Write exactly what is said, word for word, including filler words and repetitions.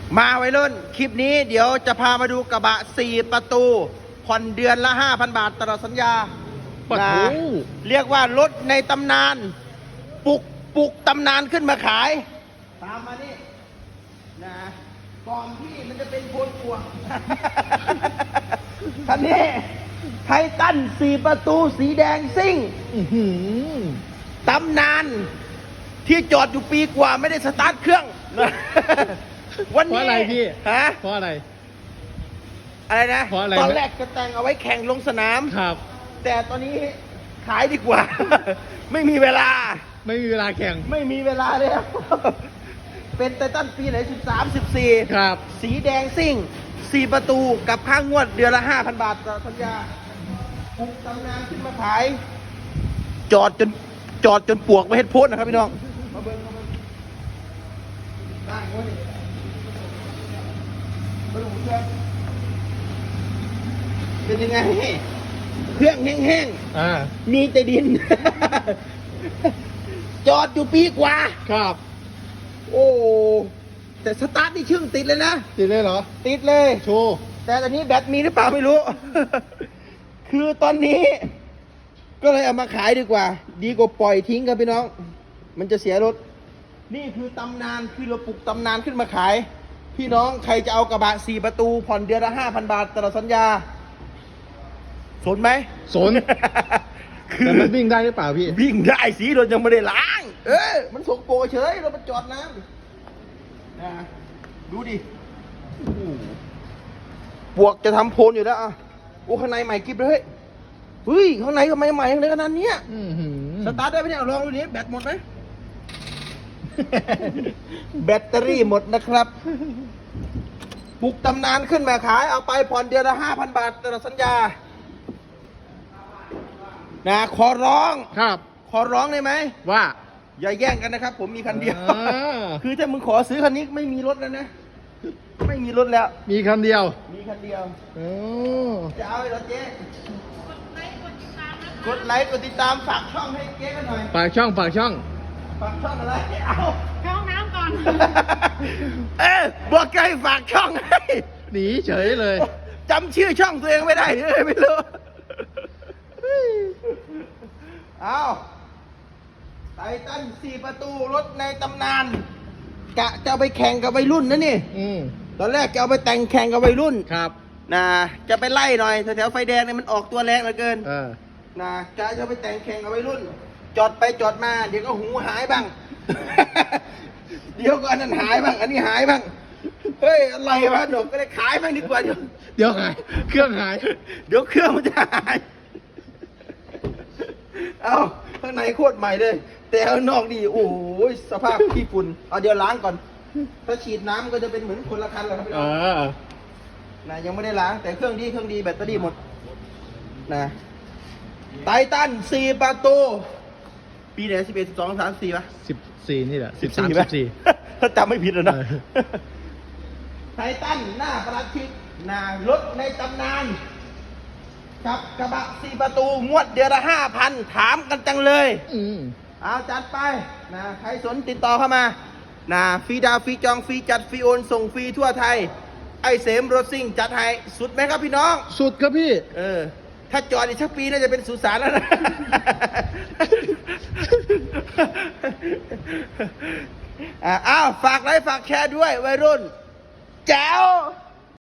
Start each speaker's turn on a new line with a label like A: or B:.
A: มาวัยรุ่นคลิปนี้เดี๋ยวจะพามาดูกระบะสี่ประตูผ่อนเดือนละ ห้าพัน บาทตลอดสัญญานะเรียกว่ารถในตำนานปลุกปลุกตำนานขึ้นมาขายตามมานี่นะก่อนที่มันจะเป็นโพลกวงคันนี้ไททันสี่ประตูสีแดงซิ่งตำนานที่จอดอยู่ปีกว่าไม่ได้สตาร์ทเครื่องวันนี้เพราะอะไรพี่ฮะเพราะอะไรอะไรนะเพราะอะไรตอนแรกจะแต่งเอาไว้แข่งลงสนามครับแต่ตอนนี้ขายดีกว่า ไม่มีเวลาไม่มีเวลาแข่งไม่มีเวลาเลยเป็นไททันปีไหนสิบสามสิบสี่ครับสีแดงซิ่งสี่ประตูกับค่างวดเดือนละห้าพันบาทต่อสัญญาปลุกตำนานขึ้นมาขายจอดจนจอดจนปวกไปเฮ็ดโพสนะครับพี่น้องมาเบิ้งมาเบิ้งได้โว้ยมาดูเครื่องเป็นยังไงเครื่องแห้งๆมีแต่ดิน จอดอยู่ปีกว่าครับโอ้แต่สตาร์ทนี่ชึ่งติดเลยนะติดเลยเหรอติดเลยโชว์แต่ตอนนี้แบตมีหรือเปล่าไม่รู้ คือตอนนี้ก็เลยเอามาขายดีกว่าดีกว่าปล่อยทิ้งครับพี่น้องมันจะเสียรถนี่คือตำนานคือเราปลุกตำนานขึ้นมาขายพี่น้องใครจะเอากระบะสี่ประตูผ่อนเดือนละห้าพันบาทตลอดสัญญาสนไหมสน แต่มันวิ่งได้หรือเปล่าพี่วิ่งได้สีรถยังไม่ได้ล้างเออมันสกปรกเฉยเราไปจอดน้ำนะดูดิปวกจะทำโพลอยู่แล้วอ่ะโอ้ข้างในใหม่กิ๊บเลยเฮ้ยข้างในทำไมใหม่ขนาดนี้สตาร์ทได้ไหมเนี่ยลองดูนี้แบตหมดไหม แบตเตอรี่หมดนะครับปลุกตำนานขึ้นมาขายเอาไปผ่อนเดือนละห้าพันบาทตลอดสัญญานะขอร้องครับขอร้องได้ไหมว่าอย่าแย่งกันนะครับผมมีคันเดียว คือถ้ามึงขอซื้อคันนี้ไม่มีรถแล้วนะไม่มีรถแล้วมีคันเดียวมีคันเดียวจะเอาเหรอเจ๊กดไลค์กดติดตามฝากช่องให้เจ๊กันหน่อยฝากช่องฝากช่องฝากช่องอะไรเอาเข้าห้องน้ำก่อน เออบอกใครฝากช่องให้หนีเฉยเลยจำชื่อช่องตัวเองไม่ได้เลยไม่รู้เอาไททันสี่ประตูรถในตำนานกะจะเอาไปแข่งกับวัยรุ่นนะนี่ตอนแรกจะเอาไปแต่งแข่งกับวัยรุ่นครับนะจะไปไล่หน่อยแถวๆไฟแดงเนี่ยมันออกตัวแรงเหลือเกินนะกะจะไปแต่งแข่งกับวัยรุ่นจอดไปจอดมาเดี๋ยวก็หูหายบ้าง เดี๋ยวก็อันนั้นหายบ้างอันนี้หายบ้างเฮ้ยอะไรวะหนูก็เลยขายบ้างดีกว่าเดี๋ยวเดี๋ยวหายเครื่องหายเดี๋ยวเครื่องมันจะหายเอาข้างในโคตรใหม่เลยแต่ข้างนอกนี่โอ้ยสภาพขี้ฝุ่นเอาเดี๋ยวล้างก่อนถ้าฉีดน้ำก็จะเป็นเหมือนคนละคันแล้วครับพี่น้องนะยังไม่ได้ล้างแต่เครื่องดีเครื่องดีแบตเตอรี่หมดนะไททันสี่ประตูปีไหนสิบเอ็ดสิบสองสามสี่ป่ะสิบสี่นี่แหละสิบสามสิบสี่ถ้าจำไม่ผิดนะไททันหน้าประหลัดชิดหน้ารถในตำนานกับกระบะสี่ประตูงวดเดือนละห้าพันถามกันจังเลยอืมเอาจัดไปนะใครสนติดต่อเข้ามานะฟรีดาวฟรีจองฟรีจัดฟรีโอนส่งฟรีทั่วไทยไอเสมรถซิ่งจัดให้สุดไหมครับพี่น้องสุดครับพี่เออถ้าจอดอีกสักปีน่าจะเป็นสุสานแล้วนะ อ้าวฝากไลค์ฝากแชร์ด้วยวัยรุ่นแจ๋ว